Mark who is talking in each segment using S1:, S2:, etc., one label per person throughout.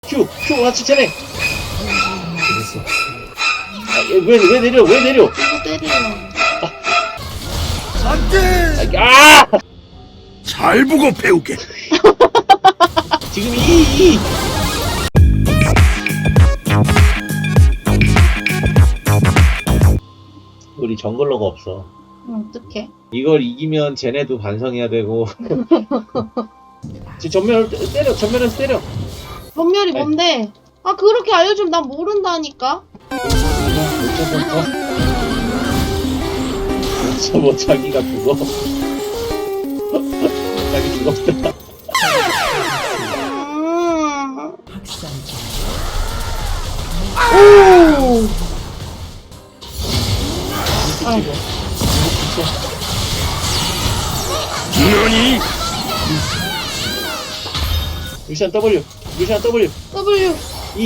S1: 큐 같이 쟤네. 됐어. 왜 내려?
S2: 이거 때리려고.
S3: 안돼.
S1: 아!
S3: 잘 보고 배우게.
S1: 지금 이. 우리 정글러가 없어.
S2: 어떡해?
S1: 이걸 이기면 쟤네도 반성해야 되고. 지금 전면에서 때려.
S2: 전멸이 뭔데? 아, 그렇게 알려주면 난 모른다니까?
S1: 뭐 자기가 죽어. 자기 죽었다.
S2: 오! 아이고.
S3: 너니?
S1: 루시안 W.
S2: W.
S1: E.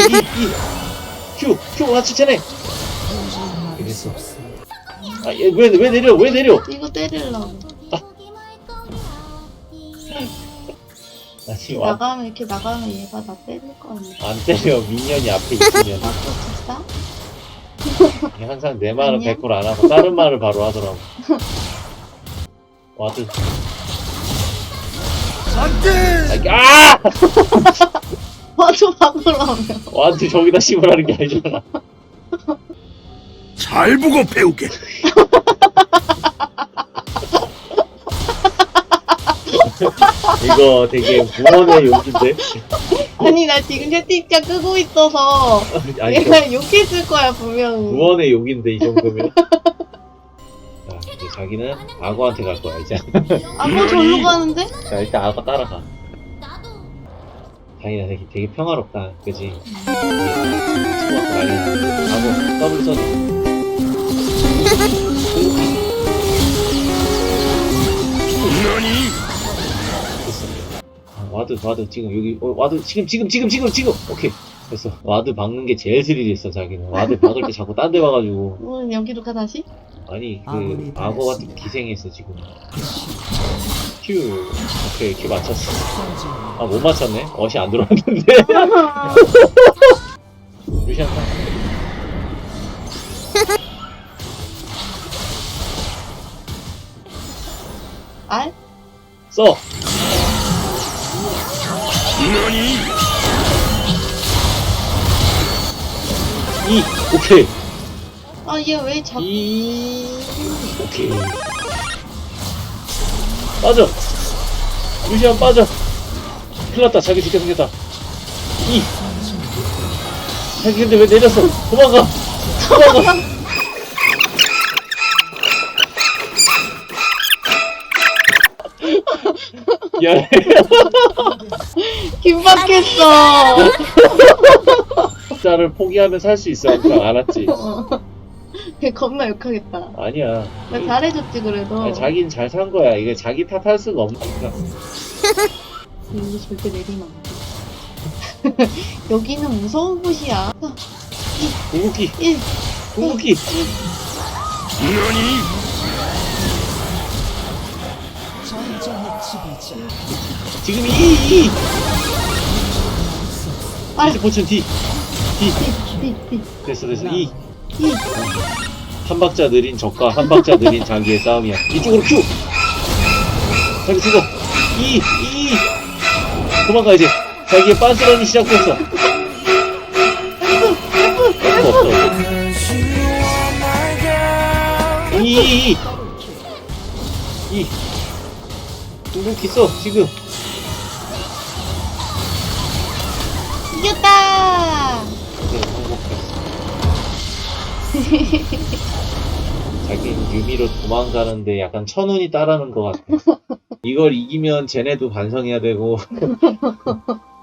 S1: 큐 같이 쟤네. 됐어. 아, 왜 내려?
S2: 이거 때리려고.
S1: 나 지금
S2: 이렇게 나가면 얘가 나 때릴 거 아니야.
S1: 안 때려. 미니언이 앞에 있으면.
S2: 아, 또 진짜?
S1: 항상 내 말은
S2: 아니야?
S1: 100% 안 하고 다른 말을 바로 하더라고. 와드.
S3: 안돼.
S1: 아!
S2: 맞아, 바꾸라며.
S1: 와드 저기다 씹으라는 게 아니잖아.
S3: 잘 보고 배우게.
S1: 이거 되게 무언의 욕인데?
S2: 아니, 나 지금 채팅창 끄고 있어서
S1: 아니,
S2: 얘가 욕했을 거야, 분명히.
S1: 무언의 욕인데, 이 정도면? 자, 이제 자기는 악어한테 갈 거야, 이제.
S2: 아, 뭐 절로 가는데?
S1: 자, 일단 악어 따라가. 자기가 되게 평화롭다, 그지? 악어, 더블 써줘.
S3: 너니?
S1: 와드 지금 여기 와드 지금 오케이 됐어. 와드 박는 게 제일 스릴이 있어. 자기는 와드 박을 때 자꾸 딴 데 봐가지고.
S2: 여기로 가, 다시?
S1: 아니 그 악어 같은 기생했어 지금. 큐. 오케이 큐 맞췄어. 아 못 맞췄네. 어시 안 들어왔는데. 루시안 가.
S2: 알?
S1: 써.
S3: 너니?
S1: 이 오케이.
S2: 아, 얘 왜 자꾸.
S1: 이 오케이. 빠져. 루시안 빠져. 큰일났다. 자기 죽게 생겼다. 이 자기 근데 왜 내렸어? 도망가. 야,
S2: 긴박했어.
S1: 자를 포기하면 살 수 있어. 그냥 알았지?
S2: 걔 겁나 욕하겠다.
S1: 아니야.
S2: 나 잘해줬지, 그래도.
S1: 아니, 자기는 잘 산 거야. 이게 자기 탓할 수가 없으니까.
S2: 이거 절대 내리면 안 돼. 여기는 무서운 곳이야.
S1: 궁극기,
S2: 1.
S1: 궁극기.
S3: 너니?
S1: 지금 이.
S2: 아,
S1: 이제 포춘 D.
S2: D.
S1: 됐어. 이.
S2: 2.
S1: 한 박자 느린 적과 한 박자 느린 자기의 싸움이야. 이쪽으로 큐. 자기 죽어. 이. 도망가 이제. 자기의 빤스런이 시작됐어. 없어. 이. 궁극기 써 지금.
S2: 이겼다!
S1: 네, 행복했어. 자기는 유미로 도망가는데 약간 천운이 따르는 것 같아. 이걸 이기면 쟤네도 반성해야 되고.